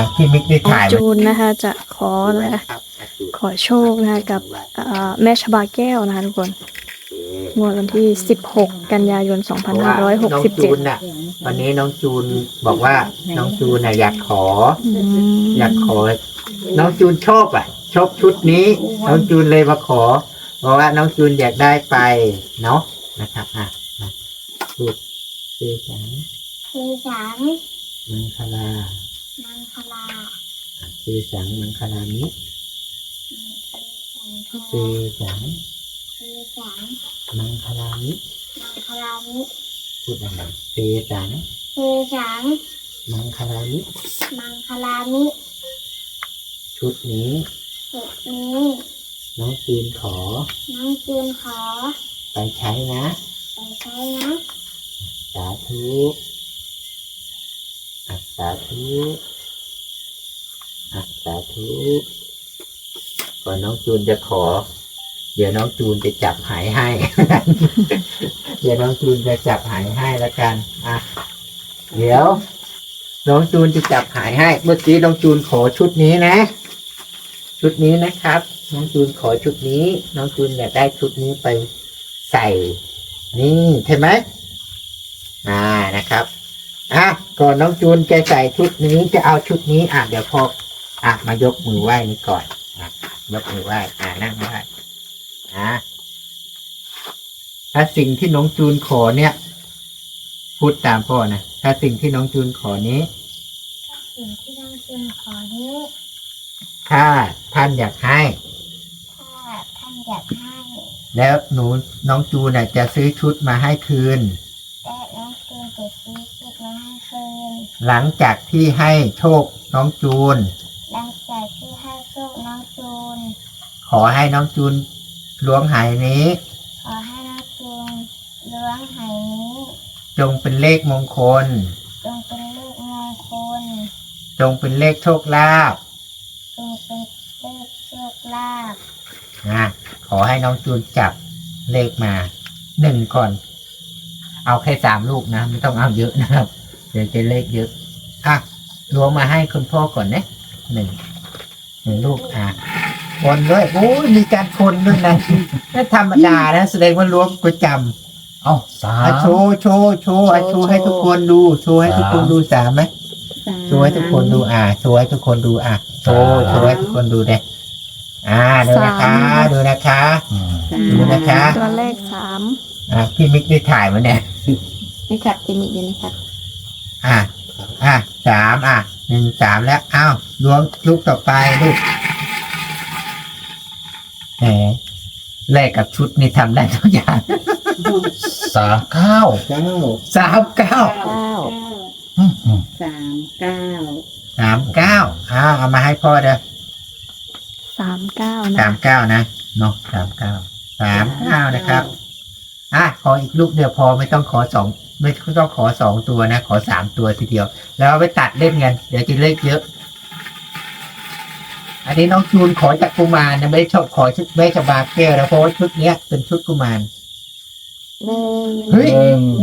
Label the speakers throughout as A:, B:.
A: พี่มิกได้ถ่าย
B: จูนนะคะจะขอนะคะขอโชคนะคะกับแม่ชบาแก้วนะคะทุกคนงวดวันที่16กันยายน
A: น้องจูนน่ะวันนี้น้องจูนบอกว่าน้องจูนน่ะอยากขอน้องจูนชอบชุดนี้น้องจูนเลยมาขอเพราะว่าน้องจูนอยากได้ไปเนาะนะครับพูดชื่อสังมังคลาชื่อสังมังคลามิชื่อสังมังคลามิพูดอะไรชื่อสังมังคลามิชุดนี้น้องจูนขอไปใช้นะสาธุสาธุก่อนน้องจูนจะขอเดี๋ยวน้องจูนจะจับหายให้ เดี๋ยวน้องจูนจะจับหายให้แล้วกันเดี๋ยวน้องจูนจะจับหายให้เมื่อกี้น้องจูนขอชุดนี้นะชุดนี้นะครับน้องจูนขอชุดนี้น้องจูนอยากได้ชุดนี้ไปใส่นี่ใช่ไหมนะครับก่อนน้องจูนจะใส่ชุดนี้จะเอาชุดนี้เดี๋ยวพอมายกมือไหว้นี่ก่อนยกมือไหว้นั่งไหว้ถ้าสิ่งที่น้องจูนขอเนี่ยพูดตามพ่อนะถ้าสิ่งที่น้องจูนขอนี้ถ้าท่านอยากให้แล้วน้องจูนจะซื้อชุดมาให้คืนหลังจากที่ให้โชคน้องจูนขอให้น้องจูนล้วงหายนี้จงเป็นเลขมงคลจงเป็นเลขโชคลาภขอให้น้องจูนจับเลขมา1ก่อนเอาแค่3 ลูกนะไม่ต้องเอาเยอะนะครับเดี๋ยวจะเลขเยอะล้วงมาให้คุณพ่อก่อนนะ1ลูกคนด้วยโอ้ยมีการคนด้วยนะไม่ธรรมดานะแสดงว่าล้วงประจำ
C: สาม
A: โชว์โชว์ให้ทุกคนดูโชว์ให้ทุกคนดู3ไหมโชว์ให้ทุกคนดูโชว์ให้ทุกคนดูโชว์ให้ทุกคนดูเด้ดูนะคะดูนะคะ
B: ตัวเลข3
A: พี่มิกได้ถ่ายมาเนี่ย
B: นี่ครับพี่มิกนี่นะครับ
A: 31 3แล้วล้วงลูกต่อไปลูกแหมแลกกับชุดนี่ทำได้ทุกอย่าง
C: 39
A: เอามาให้พ่อเด้อ
B: 39นะ
A: 39นะเนาะ39นะครับขออีกลูกเดียวพอไม่ต้องขอ2ไม่ต้องขอ2ตัวนะขอ3ตัวทีเดียวแล้วเอาไปตัดเล่นกันเดี๋ยวจะเลขเยอะอันนี้น้องจูนขอจากกุมารนะไม่ชอบขอชุดแม่ชบาแก้วนะเพราะว่าชุดเนี้ยเป็นชุดกุมารเฮ้ย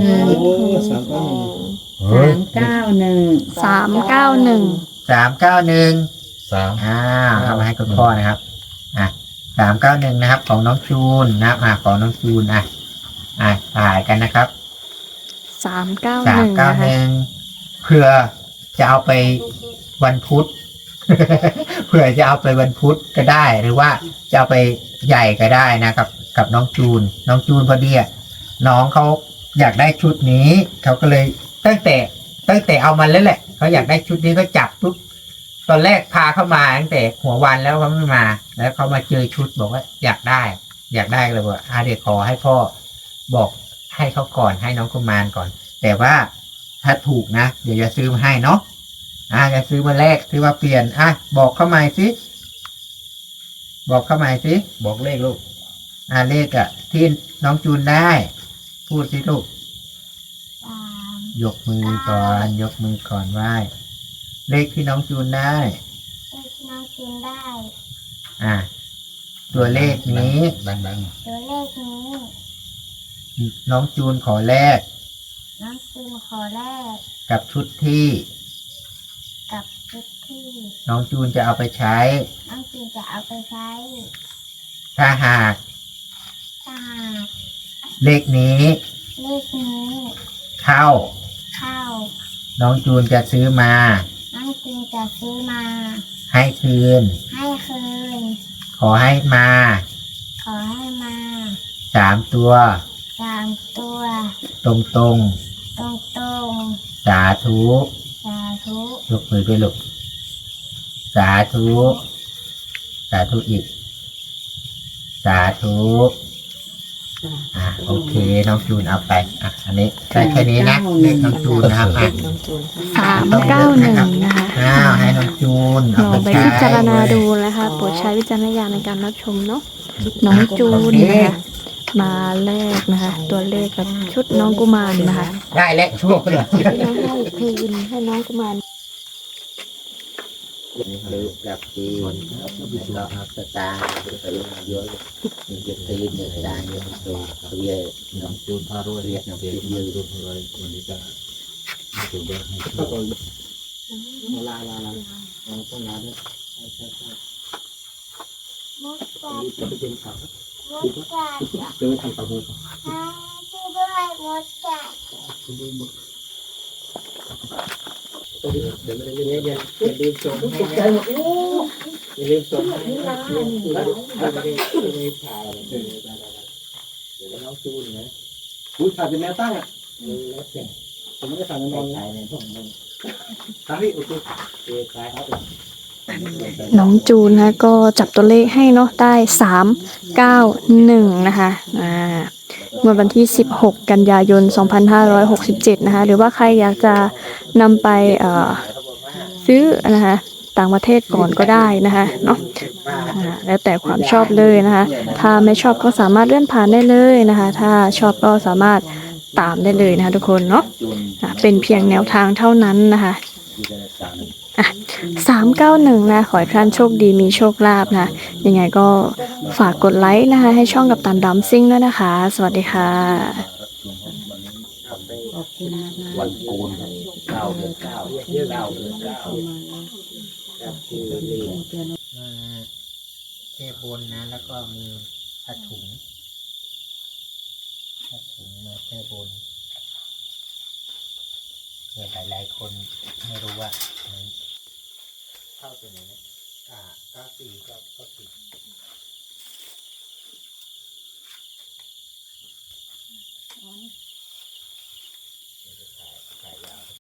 A: เอามาให้คุณพ่อนะครับ391นะครับของน้องจูนนะของน้องจูนถ่ายกันนะครับ
B: 391
A: เพื่อจะเอาไปวันพุธ เพื่อจะเอาไปวันพุธก็ได้หรือว่าจะเอาไปใหญ่ก็ได้นะครับกับน้องจูนพอดีน้องเขาอยากได้ชุดนี้เขาก็เลยตั้งแต่เอามาแล้วแหละเขาอยากได้ชุดนี้ก็จับปุ๊บตอนแรกพาเข้ามาตั้งแต่หัววันแล้วเขาไม่มาแล้วเขามาเจอชุดบอกว่าอยากได้เลยว่าเดี๋ยวขอให้พ่อบอกให้เขาก่อนให้น้องกุมารก่อนแต่ว่าถ้าถูกนะเดี๋ยวจะซื้อมาให้เนาะจะซื้อมาแลกซื้อมาเปลี่ยนบอกเข้ามาสิ
C: บอกเลขลูก
A: เลขที่น้องจูนได้พูดสิลูกยกมือก่อนไหว้เลขที่น้องจูนได้ตัวเลขนี้
C: ดัง
A: น้องจูนขอแลกกับชุดที่
D: ที่
A: น้องจูนจะเอาไปใช้
D: น้องจีจะเอาไปใช้
A: ถ้าหาก
D: ถ้าหาก
A: เลขนี้
D: เลขนี้
A: เข้า
D: เข้า
A: น้องจูนจะซื้อมา
D: น้องจีจะซื้อมา
A: ให้คืน
D: ให้คืน
A: ขอให้มา
D: ขอให้มา
A: 3 ตัว
D: 3 ตัว
A: ตรง
D: ตรง
A: ๆ สาธุ
D: ๆสาธุ
A: ยกมือด้วยลูกสาธุ สาธุอีก สาธุโอเค น้องจูนเอาไปอันนี้ได้แค่นี้นะเลขน้องจูนนะครับ
B: 391นะคะ
A: ให้น้องจูน
B: ล
A: เอา
B: อง
A: ไป
B: ไป
A: ใช้
B: พิจารณาดูนะคะโปรดใช้วิจารณญาณในการรับชมเนาะน้องจูนนะคะมาแรกนะคะ ตัวเลขกับชุดน้องกุมารนะคะ
A: ได้แล้วช่วงเลย
B: ให้คืนให้น้องกุมาร
A: หรือกับจีนแล้วก็สตาร์เยอะจะตีนเนี่ยได้เยอะตัวเยอะน้องจูนพารวยเรียกน้องจูนเยอะรุ่นเลยวันนี้จะจูนเยอะให้ลาต้องลาด้วย
D: มดกัด
A: จะไปเป็นข่าว
D: มดกัด
A: จะไปทำข่าวมือ
D: ช่วยด้วยมดกัด
A: เดี๋ยวอย่าลืมส่งให้นะอย่าลืมส่งให้นะไม่ได้ถ่ายเดี๋ยวน้องจูนนะ
C: ถ่ายเป็นแนวตั้งอ่ะ
A: แล้วแต่
C: ผมไม่ได้ถ่ายในนอน
A: ถ่ายในห้องนึง
C: ถ่ายที่โอเค
A: ถ่ายเอา
B: น้องจูนนะก็จับตัวเลขให้เนาะได้391นะคะเมื่อวันที่16กันยายน2567นะคะหรือว่าใครอยากจะนำไปซื้อนะคะต่างประเทศก่อนก็ได้นะคะเนาะแล้วแต่ความชอบเลยนะคะถ้าไม่ชอบก็สามารถเลื่อนผ่านได้เลยนะคะถ้าชอบก็สามารถตามได้เลยนะคะทุกคนเนาะเป็นเพียงแนวทางเท่านั้นนะคะ391นะขอให้ท่านโชคดีมีโชคลาภนะยังไงก็ฝากกดไลค์นะคะให้ช่องกับตันดัมซิ่งด้วยนะคะ สวัสดีค่ะ
C: วันโกน
A: 9 เดือน 9 เดือน 9ครับคือเทบนนะแล้วก็มีผ้าถุงมาเทบนเผื่อหลายๆคนไม่รู้ว่าเข้าตัวไหนนะ94ก็ผิด